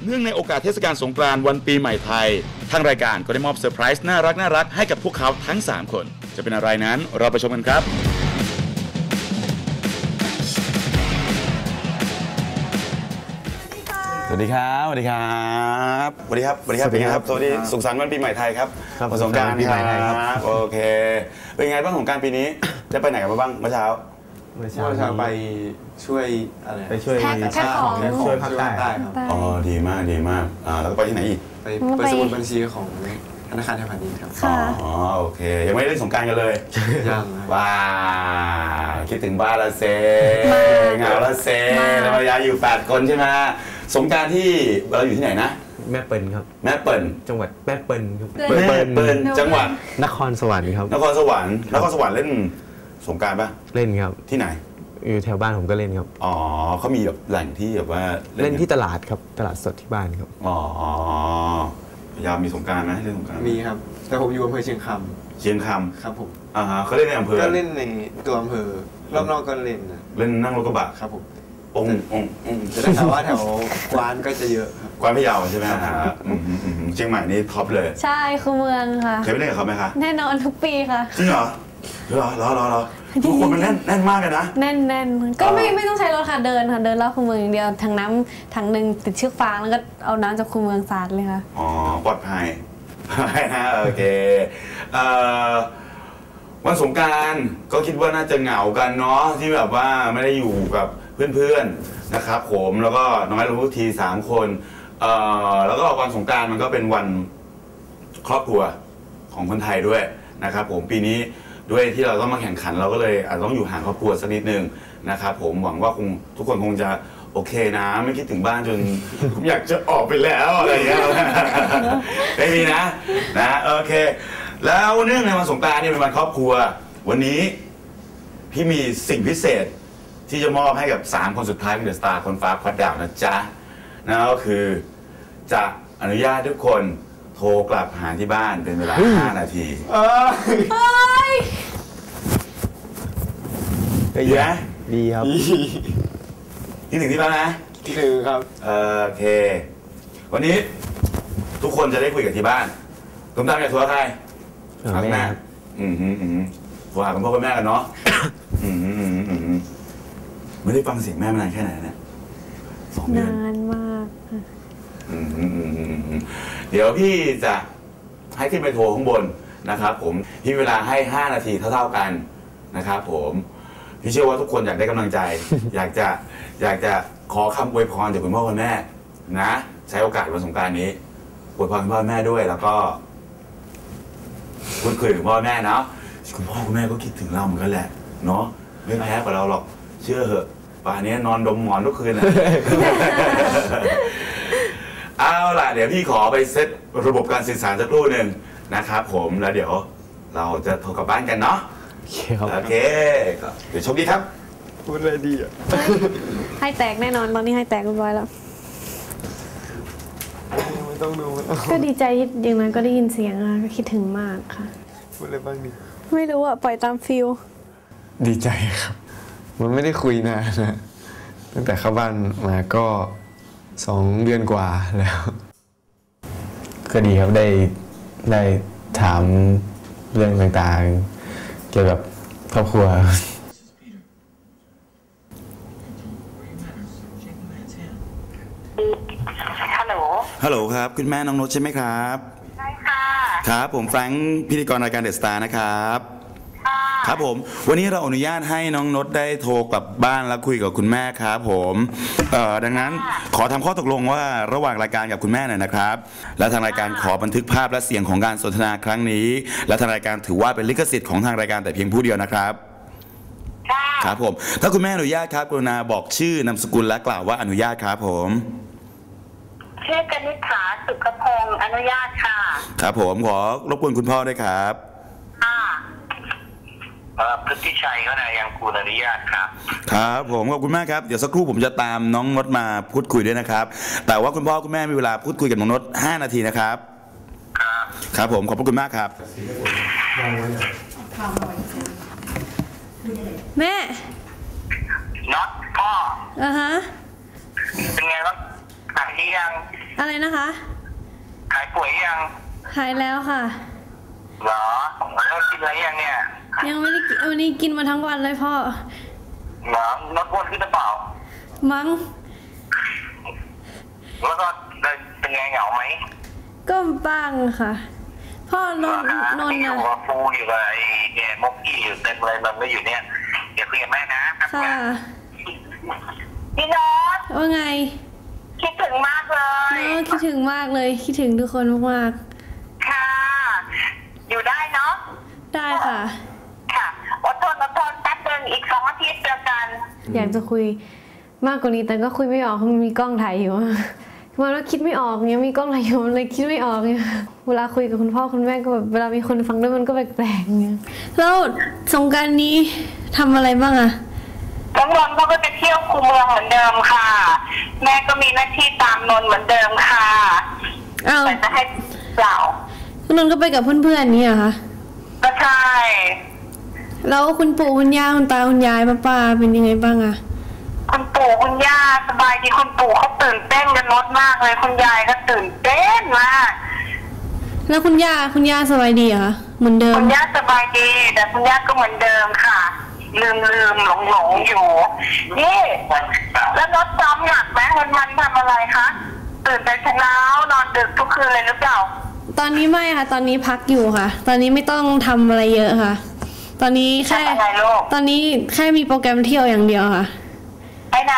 เนื่องในโอกาสเทศกาลสงกรานต์วันปีใหม่ไทยทางรายการก็ได้มอบเซอร์ไพรส์น่ารักให้กับพวกเขาทั้ง3คนจะเป็นอะไรนั้นเราไปชมกันครับสวัสดีครับสวัสดีครับสวัสดีครับสวัสดีครับสวัสดีครับสวัสดีสุขสันต์วันปีใหม่ไทยครับสงกรานต์ปีใหม่ไทยครับโอเคเป็นไงบ้างสงกรานต์ปีนี้จะไปไหนกันบ้างเมื่อเช้าไปช่วยอะไรไปช่วยช่วยภาคใต้ครับอ๋อดีมากแล้วก็ไปที่ไหนอีกไปสมุดบัญชีของธนาคารไทยพาณิชย์ครับอ๋อโอเคยังไม่ได้เล่นสงกรานต์กันเลยยังว้าคิดถึงบ้านละเซเหงาละเซแล้วภรรยาอยู่8คนใช่ไหมสงกรานต์ที่เราอยู่ที่ไหนนะแม่เปิลครับแม่เปิลจังหวัดแม่เปิลครับแม่เปิลจังหวัดนครสวรรค์ครับนครสวรรค์เล่นสงกรานต์ป่ะเล่นครับที่ไหนอยู่แถวบ้านผมก็เล่นครับอ๋อเขามีแบบแหล่งที่แบบว่าเล่นที่ตลาดครับตลาดสดที่บ้านครับอ๋อพยายามมีสงกรานต์ไหมเล่นสงกรานต์มีครับแต่ผมอยู่อำเภอเชียงคำครับผมเขาเล่นในอำเภอก็เล่นในตัวอำเภอรอบนอกก็เล่นนั่งรถกระบะครับผมจะได้ข่าวว่าแถวกวานก็จะเยอะครับกวานพะเยาใช่ไหมเชียงใหม่นี่ท็อปเลยใช่คือเมืองค่ะเคยไปเล่นกับเขาไหมคะแน่นอนทุกปีค่ะจริงเหรอทุกคนมันแน่นมากเลยนะแน่นก็ไม่ต้องใช้รถค่ะเดินรอบคูเมืองอย่างเดียวถังน้ำถังหนึ่งติดเชือกฟางแล้วก็เอาน้ำจากคูเมืองสาดเลยค่ะอ๋อปลอดภัยนะโอเควันสงกรานต์ก็คิดว่าน่าจะเหงากันเนาะที่แบบว่าไม่ได้อยู่กับเพื่อนๆนะครับผมแล้วก็น้องไม้รู้ที3คนแล้วก็วันสงกรานต์มันก็เป็นวันครอบครัวของคนไทยด้วยนะครับผมปีนี้ด้วยที่เราต้องมาแข่งขันเราก็เลยอาจจะต้องอยู่ห่างครอบครัวสักนิดนึงนะครับผมหวังว่าทุกคนคงจะโอเคนะไม่คิดถึงบ้านจนผมอยากจะออกไปแล้วอะไรอย่างเงี้ยไม่มีนะโอเคแล้วเนื่องในวันสงกรานต์นี่เป็นวันครอบครัววันนี้พี่มีสิ่งพิเศษที่จะมอบให้กับ3คนสุดท้ายของเดอะสตาร์คนฟ้าควัดดาวนะจ๊ะนั่นก็คือจะอนุญาตทุกคนโทรกลับหาที่บ้านเป็นเวลา5 นาทีดีไหมดีครับที่1ที่บ้านนะที่1ครับโอเควันนี้ทุกคนจะได้คุยกับที่บ้านตุ้มตามอยากโทรใครแม่โทรหาคุณพ่อคุณแม่กันเนาะไม่ได้ฟังเสียงแม่มานานแค่ไหนเนี่ย2 เดือนนานมากเดี๋ยวพี่จะให้ขึ้นไปโทรข้างบนนะครับผมพี่เวลาให้5 นาทีเท่ากันนะครับผมพี่เชื่อว่าทุกคนอยากได้กำลังใจอยากจะขอคำอวยพรจากคุณพ่อคุณแม่นะใช้โอกาสวันสงกรานต์นี้อวยพรคุณพ่อแม่ด้วยแล้วก็พูดคุยกับพ่อแม่เนาะคุณพ่อคุณแม่ก็คิดถึงเราเหมือนกันแหละเนาะไม่แพ้กับเราหรอกเชื่อเหอะป่านนี้นอนดมหมอนทุกคืนนะเอาล่ะเดี๋ยวพี่ขอไปเซตระบบการสื่อสารสักครู่หนึ่งนะครับผมแล้วเดี๋ยวเราจะโทรกลับบ้านกันเนาะโอเคเดี๋ยวโชคดีครับพูดอะไรดีอ่ะให้แตกแน่นอนตอนนี้ให้แตกเรียบร้อยแล้วไม่ต้องดูก็ดีใจอย่างนั้นก็ได้ยินเสียงอะก็คิดถึงมากค่ะพูดอะไรบ้างดิไม่รู้อะปล่อยตามฟิลดีใจครับมันไม่ได้คุยนานนะตั้งแต่เข้าบ้านมาก็2 เดือนกว่าแล้วก็ดีครับได้ถามเรื่องต่างๆเกี่ยวกับครอบครัวฮัลโหลครับคุณแม่น้องนุชใช่ไหมครับใช่ค่ะครับผมแฟรงค์พิธีกรรายการเดอะสตาร์นะครับครับผมวันนี้เราอนุญาตให้น้องนุชได้โทรกลับบ้านแล้วคุยกับคุณแม่ครับผมดังนั้นขอทำข้อตกลงว่าระหว่างรายการกับคุณแม่หน่อยนะครับและทางรายการขอบันทึกภาพและเสียงของการสนทนาครั้งนี้และทางรายการถือว่าเป็นลิขสิทธิ์ของทางรายการแต่เพียงผู้เดียวนะครับครับผมถ้าคุณแม่อนุญาตครับกรุณาบอกชื่อนามสกุลและกล่าวว่าอนุญาตครับผมชื่อกนิษฐาสุขพงศ์อนุญาตค่ะครับผมขอรบกวนคุณพ่อด้วยครับพฤติชัยก็นายยังกูลอนุญาตครับครับผมขอบคุณมากครับเดี๋ยวสักครู่ผมจะตามน้องนดมาพูดคุยด้วยนะครับแต่ว่าคุณพ่อคุณแม่มีเวลาพูดคุยกับน้องนด5 นาทีนะครับครับผมขอบคุณมากครับแม่น็อตพ่อฮะเป็นไงบ้างหายยังอะไรนะคะหายป่วยยังหายแล้วค่ะเหรอแล้วกินอะไรยังเนี่ยยังไม่ได้กินวันนี้กินมาทั้งวันเลยพ่อเหรอลดอ้วนขึ้นหรือเปล่ามั้งแล้วก็เป็นไงเหงาไหมก็บ้างค่ะ พ่อนนท์ที่อยู่กับฟูอยู่กับไอ้เนี่ยมกกี้อยู่เต็มเลยมันไม่อยู่เนี่ยเดี๋ยวคุยกับแม่นะค่ะพี่น้องว่าไงคิดถึงมากเลยคิดถึงมากเลยคิดถึงทุกคนมากค่ะ อยู่ได้เนาะๆได้ค่ะค่ะอดทนแป๊บนึงอีก2 อาทิตย์เจอกันอยากจะคุยมากกว่านี้แต่ก็คุยไม่ออกเพราะมันมีกล้องถ่ายอยู่มันว่าคิดไม่ออกเงี้ยมีกล้องถ่ายอยู่มันเลยคิดไม่ออกเนี่ยเวลาคุยกับคุณพ่อคุณแม่ก็แบบเวลามีคนฟังด้วยมันก็แปลกๆเงี้ยแล้วสงกรานต์นี้ทำอะไรบ้างอะน้องนนท์เขาก็จะเที่ยวคูเมืองเหมือนเดิมค่ะ แม่ก็มีหน้าที่ตามนนท์เหมือนเดิมค่ะอ้าวแต่จะให้เปล่าคุณนนท์ก็ไปกับเพื่อนๆนี่เหรอคะก็ใช่แล้วคุณปู่คุณย่าคุณตาคุณยายป้าเป็นยังไงบ้างอะคุณปู่คุณย่าสบายดีคุณปู่เขาตื่นเต้นกันรถมากเลยคุณยายก็ตื่นเต้นมากแล้วคุณย่าสบายดีเหรอคะเหมือนเดิมคุณย่าสบายดีแต่คุณย่าก็เหมือนเดิมค่ะ ลืมหลงอยู่นี่แล้วรถซ้อมหนักไหมวันทำอะไรคะตื่นแต่เช้านอนดึกทุกคืนเลยหรือเปล่าตอนนี้ไม่ค่ะ ตอนนี้พักอยู่ค่ะ ตอนนี้ไม่ต้องทำอะไรเยอะค่ะ ตอนนี้แค่ทำอะไรลูกตอนนี้แค่มีโปรแกรมเที่ยวอย่างเดียวค่ะไปไหน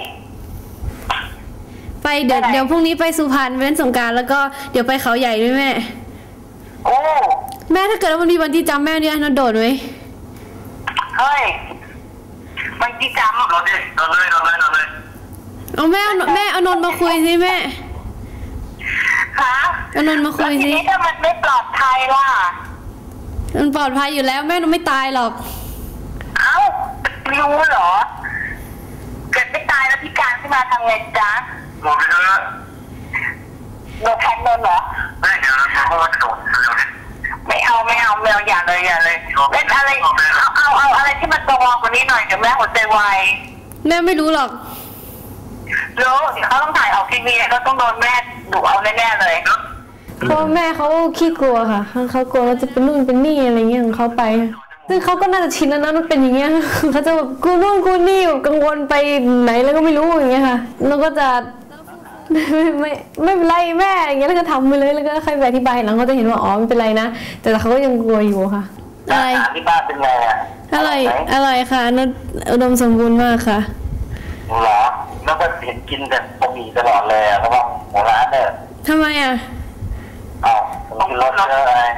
ไปเดี๋ยวไปไหนเดี๋ยวพรุ่งนี้ไปสุพรรณเล่นสงกรานต์แล้วก็เดี๋ยวไปเขาใหญ่ด้วยแม่โอ้แม่ถ้าเกิดว่ามันมีวันที่จำแม่เนี่ยนนท์โดดไหมเฮ้ยมันกี่จำเราดิเราเลยเอาแม่เอานนท์มาคุยสิแม่ฮะเอานนท์มาคุแล้วยทีสินี้ถ้ามันไม่ปลอดภัยล่ะมันปลอดภัยอยู่แล้วแม่นนท์ไม่ตายหรอกเอ้ารู้เหรอ เกิดไม่ตายแล้วพิการขึ้นมาทำไงจ๊ะหมดไปเถอะโดนแทงโดนเหรอไม่เดี๋ยวเพราะว่าโดนไม่เอาอย่าเลยเล่นอะไรเอาอะไรที่มันตัวกว่านี้หน่อยเดี๋ยวแม่หัวใจวายแม่ไม่รู้หรอกรู้เดี๋ยวเขาต้องถ่ายออกทีวีแล้วต้องโดนแม่ดุเอาแน่ๆเลยเพราะแม่เขาขี้กลัวค่ะเขากลัวว่าจะเป็นนู่นเป็นนี่อะไรเงี้ยของเขาไป ซึ่งเขาก็น่าจะชินแล้วนะมันเป็นอย่างเงี้ย เขาจะแบบกูนู่นกูนี่กังวลไปไหนแล้วก็ไม่รู้อย่างเงี้ยค่ะ แล้วก็จะไม่เป็นไรแม่อย่างเงี้ยแล้วก็ทำไปเลยแล้วก็ใครไปอธิบายหลังเขาจะเห็นว่าอ๋อไม่เป็นไรนะแต่เขาก็ยังกลัวอยู่ค่ะอะไรที่บ้านเป็นไงอ่ะอะไรค่ะนนอุดมสมบูรณ์มากค่ะเหรอแล้วก็เห็นกินแต่บะหมี่ตลอดเลยเพราะว่าหัวร้านเนี่ยทำไมอ่ะอ้าวกินรสเยอะอะไร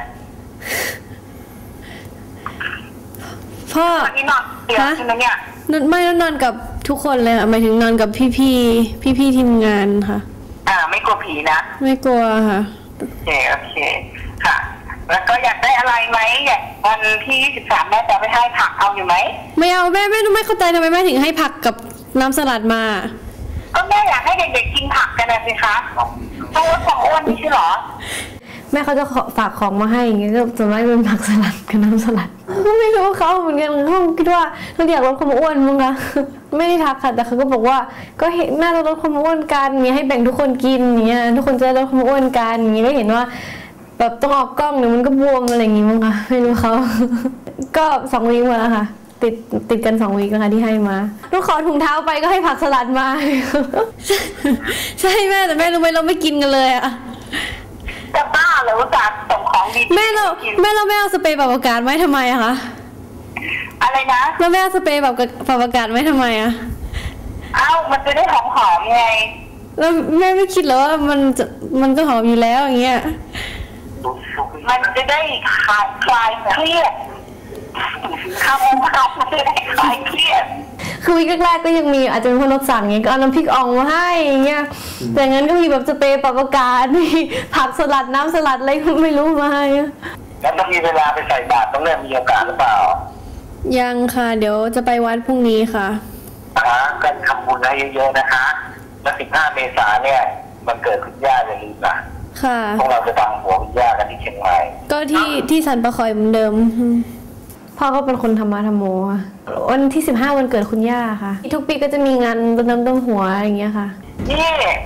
พ่อวันนี้นอนเดี๋ยวใช่ไหมเนี่ยไม่นอนกับทุกคนเลยค่ะหมายถึงนอนกับพี่ทีมงานค่ะไม่กลัวผีนะไม่กลัวค่ะโอเคค่ะ แล้วก็อยากได้อะไรไหมอยากวันที่23แม่จะไปให้ผักเอาอยู่ไหมไม่เอาแม่ไม่เข้าใจทำไมแม่ถึงให้ผักกับน้ำสลัดมาก็แม่อยากให้เด็กๆกินผักกันนะสิคะเพราะว่าความอ้วนไม่ใช่เหรอแม่เขาจะฝากของมาให้อย่างเงี้ยก็ส่วนมากเป็นผักสลัดกับน้ำสลัดก็ไม่รู้เขาเหมือนกันเขาคิดว่าเราอยากลดความอ้วนมั้งคะไม่ได้ทักค่ะแต่เขาก็บอกว่าก็เห็นน่าจะลดความอ้วนกันเงี้ยให้แบ่งทุกคนกินอย่างเงี้ยทุกคนจะลดความอ้วนกันอย่างเงี้ยก็เห็นว่าแบบต้องออกกล้องเนี่ยมันก็บวมอะไรอย่างงี้มั้งคะไม่รู้เขา ก็2 วีคมาแล้วค่ะติดกัน2 วีคแล้วค่ะที่ให้มาลูกขอถุงเท้าไปก็ให้ผักสลัดมา ใช่แม่แต่แม่รู้ไหมเราไม่กินกันเลยอะจะบ้าเหรอว่าจะส่งของดีแม่เราเอาสเปรย์ปรับอากาศไว้ทำไมอะคะอะไรนะแล้วแม่เอาสเปรย์ปรับอากาศไว้ทำไมอะเอ้ามันจะได้หอมๆไงแล้วแม่ไม่คิดเหรอว่ามันก็หอมอยู่แล้วอย่างเงี้ยมันจะได้คลายเครียดคำมันจะได้คลายเครียดคือวีคแรกๆก็ยังมีอาจจะเป็นคนรถสั่งไงก็เอาน้ำพริกอ่องมาให้อย่างเงี้ยแต่งั้นก็มีแบบสเปรย์ปรับอากาศมีผักสลัดน้ำสลัดอะไรก็ไม่รู้มาให้แล้วต้องมีเวลาไปใส่บาตรต้องเริ่มมีโอกาสหรือเปล่ายังค่ะเดี๋ยวจะไปวัดพรุ่งนี้ค่ะก็ทำบุญให้เยอะๆนะคะแล้ว15 เมษายนเนี่ยมันเกิดคุณย่าอย่าลืมนะค่ะพวกเราจะดังหัวคุณย่ากันที่เชียงใหม่ก็ที่สันปะคอยเหมือนเดิมพ่อก็เป็นคนธรรมะธรรมโมค่ะวันที่15วันเกิดคุณย่าค่ะทุกปีก็จะมีงานรดน้ำดำหัวอย่างเงี้ยค่ะนี่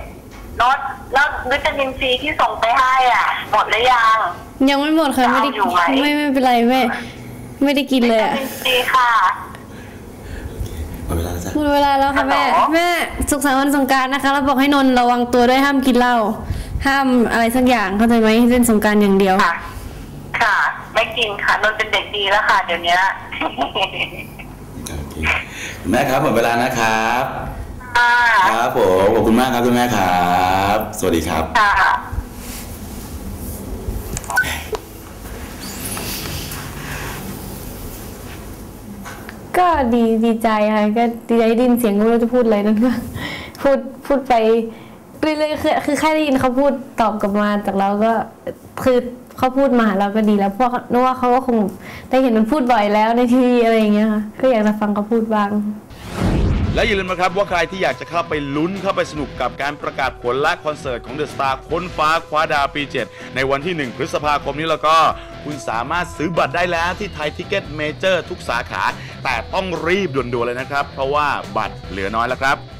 โน้ตแล้ววิตามินซีที่ส่งไปให้อ่ะหมดหรือยังยังไม่หมดค่ะไม่ได้เอาอยู่ไหมไม่เป็นไรแม่ไม่ได้กินเลยวิอะตามินซีค่ะหมดเวลาแล้วจ้ะหมดเวลาแล้วค่ะแม่ฮัลโหลแม่สุขสันต์วันสงกรานต์นะคะแล้วบอกให้นนท์ระวังตัวด้วยห้ามกินเหล้าห้ามอะไรสักอย่างเข้าใจไหมให้เล่นสงกรานต์อย่างเดียวค่ะ ค่ะ ไม่กินค่ะนนท์เป็นเด็กดีแล้วค่ะ เดี๋ยวนี้โอเคแม่ครับหมดเวลานะครับค่ะครับผมขอบคุณมากครับคุณแม่ครับ สวัสดีครับค่ะก็ดีใจค่ะก็ดีใจได้ยินเสียงก็ไม่รู้จะพูดอะไรนั่นก็ พูดไปเรื่อยๆคือแค่ได้ยินเขาพูดตอบกลับมาจากเราก็คือเขาพูดมาหาเราก็ดีแล้วเพราะนึกว่าเขาก็คงได้เห็นมันพูดบ่อยแล้วในทีวีอะไรอย่างเงี้ยค่ะก็อยากจะฟังเขาพูดบ้างและอย่าลืมนะครับว่าใครที่อยากจะเข้าไปลุ้นเข้าไปสนุกกับการประกาศผลและคอนเสิร์ตของ The Star ค้นฟ้าคว้าดาวปี 7 ในวันที่ 1 พฤษภาคมนี้แล้วก็คุณสามารถซื้อบัตรได้แล้วที่ไทยทิกเก็ตเมเจอร์ทุกสาขาแต่ต้องรีบด่วนๆเลยนะครับเพราะว่าบัตรเหลือน้อยแล้วครับ